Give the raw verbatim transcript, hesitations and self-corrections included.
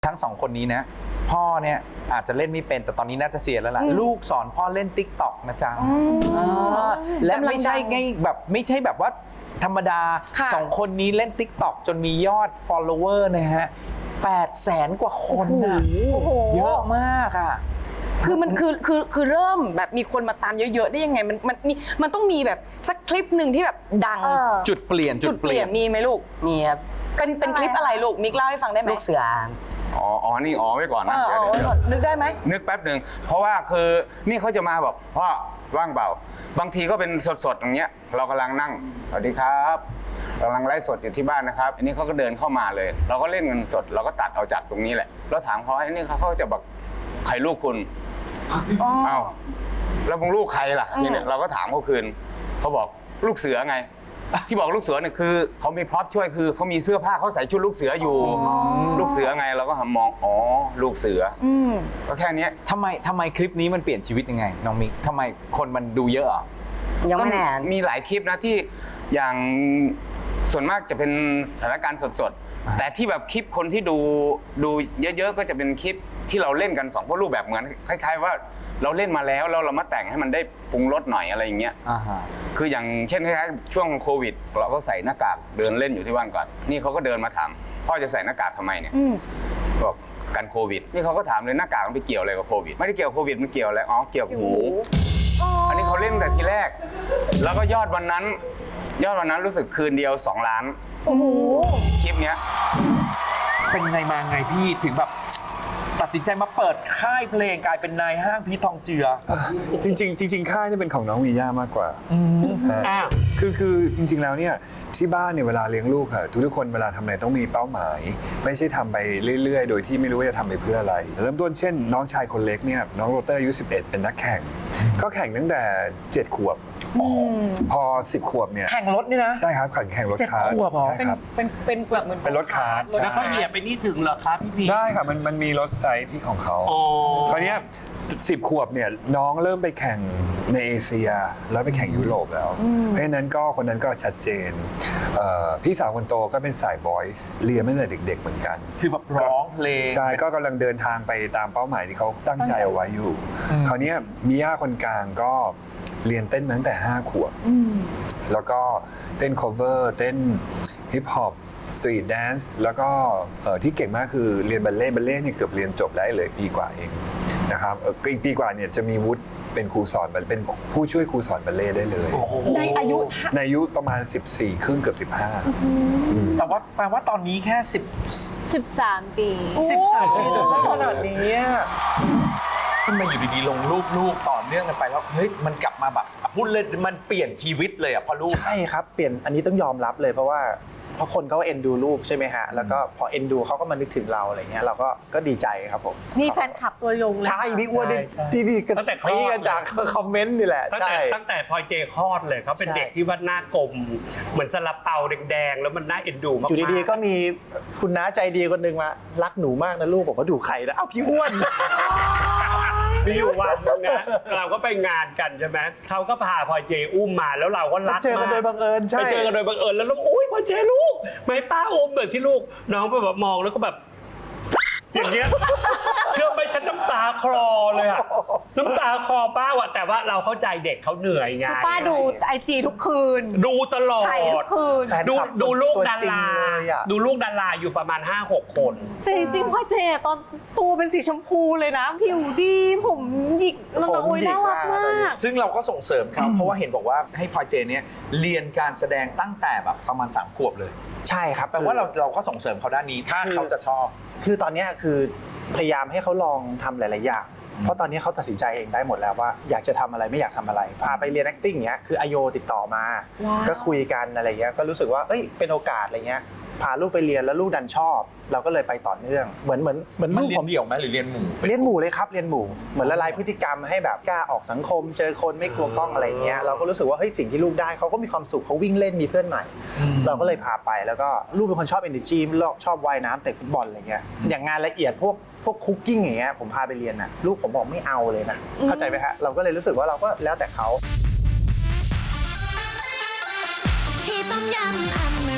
ทั้งสองคนนี้นะพ่อเนี่ยอาจจะเล่นไม่เป็นแต่ตอนนี้น่าจะเสียแล้วล่ะลูกสอนพ่อเล่น ติ๊กต็อก นะจ๊ะและไม่ใช่ไงแบบไม่ใช่แบบว่าธรรมดาสองคนนี้เล่น ติ๊กต็อก จนมียอด follower นะฮะแปดแสนกว่าคนนะเยอะมากอ่ะคือมันคือคือคือเริ่มแบบมีคนมาตามเยอะๆได้ยังไงมันมันมีมันต้องมีแบบสักคลิปหนึ่งที่แบบดังจุดเปลี่ยนจุดเปลี่ยนมีไหมลูกมีครับเป็นเป็นคลิปอะไรลูกมิกเล่าให้ฟังได้ไหมลูกเสืออ๋ออ๋อนี่อ๋อไว้ก่อนนะเดี๋ยวนึกได้ไหมนึกแป๊บหนึ่งเพราะว่าคือนี่เขาจะมาแบบพ่อว่างเปล่าบางทีก็เป็นสดๆอย่างเงี้ยเรากำลังนั่งสวัสดีครับกำลังไลฟ์สดอยู่ที่บ้านนะครับอันนี้เขาก็เดินเข้ามาเลย เราก็เล่นกันสดเราก็ตัดเอาจากตรงนี้แหละแล้วถามเขาไอ้นี่เขาเขาจะบอกใครลูกคุณเอ้าแล้วมึงลูกใครล่ะทีนี้เราก็ถามเขาคืนเขาบอกลูกเสือไงที่บอกลูกเสือเนี่ยคือเขามีพร็อพช่วยคือเขามีเสื้อผ้าเขาใส่ชุดลูกเสืออยู่ลูกเสือไงเราก็หันมองอ๋อลูกเสือก็แค่นี้ทำไมทำไมคลิปนี้มันเปลี่ยนชีวิตยังไงน้องมิกทำไมคนมันดูเยอะอ่ะยังไม่แน่มีหลายคลิปนะที่อย่างส่วนมากจะเป็นสถานการณ์สดๆแต่ที่แบบคลิปคนที่ดูดูเยอะๆก็จะเป็นคลิปที่เราเล่นกันสองพ่อลูกแบบเหมือนคล้ายๆว่าเราเล่นมาแล้วแล้วเรามาแต่งให้มันได้ปรุงรสหน่อยอะไรอย่างเงี้ยคืออย่างเช่นคล้ายๆช่วงโควิดเราก็ใส่หน้ากากเดินเล่นอยู่ที่บ้านก่อนนี่เขาก็เดินมาถามพ่อจะใส่หน้ากากทำไมเนี่ยบอกกันโควิดนี่เขาก็ถามเลยหน้ากากมันไปเกี่ยวอะไรกับโควิดไม่ได้เกี่ยวโควิดมันเกี่ยวอะไรอ๋อเกี่ยวกับหูอันนี้เขาเล่นแต่ทีแรกแล้วก็ยอดวันนั้นยอดวันนั้นรู้สึกคืนเดียวสองล้านโอ้โหคลิปเนี้ยเป็นไงมาไงพี่ถึงแบบตัดสินใจมาเปิดค่ายเพลงกลายเป็นนายห้างพีททองเจือจริงๆจริงๆค่ายนี่เป็นของน้องวีย่ามากกว่าคือคือจริงๆแล้วเนี่ยที่บ้านเนี่ยเวลาเลี้ยงลูกค่ะทุกๆคนเวลาทำอะไรต้องมีเป้าหมายไม่ใช่ทำไปเรื่อยๆโดยที่ไม่รู้ว่าจะทำไปเพื่ออะไรเริ่มต้นเช่นน้องชายคนเล็กเนี่ยน้องโรเตอร์อายุสิบเอ็ดเป็นนักแข่งก็แข่งตั้งแต่เจ็ดขวบพอสิบขวบเนี่ยแข่งรถนี่นะใช่ครับแข่งแข่งรถคาร์ทเป็นเป็นเป็นแบบเหมือนเป็นรถคาร์ทแล้วเขาเหยียบไปนี่ถึงเหรอครับพี่พีได้ค่ะมันมันมีรถไซส์ที่ของเขาคราวนี้สิบขวบเนี่ยน้องเริ่มไปแข่งในเอเชียแล้วไปแข่งยุโรปแล้วเพราะฉะนั้นก็คนนั้นก็ชัดเจนพี่สาวคนโตก็เป็นสายบอยส์เรียนมาตั้งแต่เด็กๆเหมือนกันคือแบบร้องเพลงใช่ก็กำลังเดินทางไปตามเป้าหมายที่เขาตั้งใจเอาไว้อยู่คราวนี้มิย่าคนกลางก็เรียนเต้นมาตั้งแต่ห้าขวบแล้วก็เต้น cover เต้นฮิปฮอปสตรีทแดนซ์แล้วก็ที่เก่งมากคือเรียนบัลเล่ต์บัลเล่ต์เนี่ยเกือบเรียนจบได้เลยปีกว่าเองนะครับอีกปีกว่าเนี่ยจะมีวุฒิเป็นครูสอนเป็นผู้ช่วยครูสอนบัลเล่ต์ได้เลยในอายุในอายุประมาณสิบสี่ครึ่งเกือบสิบห้าแต่ว่าแปลว่าตอนนี้แค่สิบสิบสามปีสิบสามปีจนได้ขนาดนี้ขึ้นมาอยู่ดีๆลงรูปลูกต่อเนื่องกันไปแล้วเฮ้ยมันกลับมาแบบพูดเลยมันเปลี่ยนชีวิตเลยอ่ะพอลูกใช่ครับเปลี่ยนอันนี้ต้องยอมรับเลยเพราะว่าเพราะคนเขาเอ็นดูลูกใช่ไหมฮะแล้วก็พอเอ็นดูเขาก็มานึกถึงเราอะไรเงี้ยเราก็ก็ดีใจครับผมนี่แฟนคลับตัวยงเลยใช่พี่อ้วนที่พี่กันตีกันจากคอมเมนต์นี่แหละตั้งแต่ตั้งแต่พอเจคลอดเลยเขาเป็นเด็กที่ว่าหน้ากลมเหมือนซาลาเปาแดงๆแล้วมันน่าเอ็นดูมากอยู่ดีๆก็มีคุณน้าใจดีคนหนึ่งมารักหนูมากนะลูกผมก็ดูไข่แล้วเอ้าพี่อ้วนมีอยู่วันนึงนะเราก็ไปงานกันใช่ไหมเขาก็พาพอเจอุ้มมาแล้วเราก็รักมากเจอกันโดยบังเอิญใช่ไปเจอกันโดยบังเอิญแล้วลูกอุ้ยพอเจลูกไม่ป้าอุ้มเหมือนที่ลูกน้องไปแบบมองแล้วก็แบบอย่างเงี้ยเชื่อไหมฉันน้ำตาคลอเลยอะน้ำตาคลอป้าว่ะแต่ว่าเราเข้าใจเด็กเขาเหนื่อยไงป้าดูไอจีทุกคืนดูตลอดถ่ายทุกคืนดูดูลูกดาราดูลูกดาราอยู่ประมาณ ห้าหก คนแต่จริงๆพ่อเจตอนตัวเป็นสีชมพูเลยนะผิวดีผมหยิกแล้วก็โอ้ยน่ารักมากซึ่งเราก็ส่งเสริมเขาเพราะว่าเห็นบอกว่าให้พลอยเจเนี่ยเรียนการแสดงตั้งแต่แบบประมาณสามขวบเลยใช่ครับแปลว่าเราเราก็ส่งเสริมเขาด้านนี้ถ้าเขาจะชอบคือตอนนี้คือพยายามให้เขาลองทำหลายๆอย่างเพราะตอนนี้เขาตัดสินใจเองได้หมดแล้วว่าอยากจะทำอะไรไม่อยากทำอะไรพาไปเรียน acting เงี้ยคืออโยติดต่อมาก็คุยกันอะไรเงี้ยก็รู้สึกว่าเอ้ยเป็นโอกาสอะไรเงี้ยพาลูกไปเรียนแล้วลูกดันชอบเราก็เลยไปต่อเนื่องเหมือนเหมือนเหมือนลูกผมเดี่ยวไหมหรือเรียนหมู่เรียนหมู่เลยครับเรียนหมู่เหมือนละลายพฤติกรรมให้แบบกล้าออกสังคมเจอคนไม่กลัวกล้องอะไรเงี้ยเราก็รู้สึกว่าเฮ้ยสิ่งที่ลูกได้เขาก็มีความสุขเขาวิ่งเล่นมีเพื่อนใหม่เราก็เลยพาไปแล้วก็ลูกเป็นคนชอบ energy ชอบว่ายน้ำเตะฟุตบอลอะไรเงี้ยอย่างงานละเอียดพวกพวกคุกกิ้งอย่างเงี้ยผมพาไปเรียนน่ะลูกผมบอกไม่เอาเลยนะเข้าใจไหมฮะเราก็เลยรู้สึกว่าเราก็แล้วแต่เขาที่ต้มยำ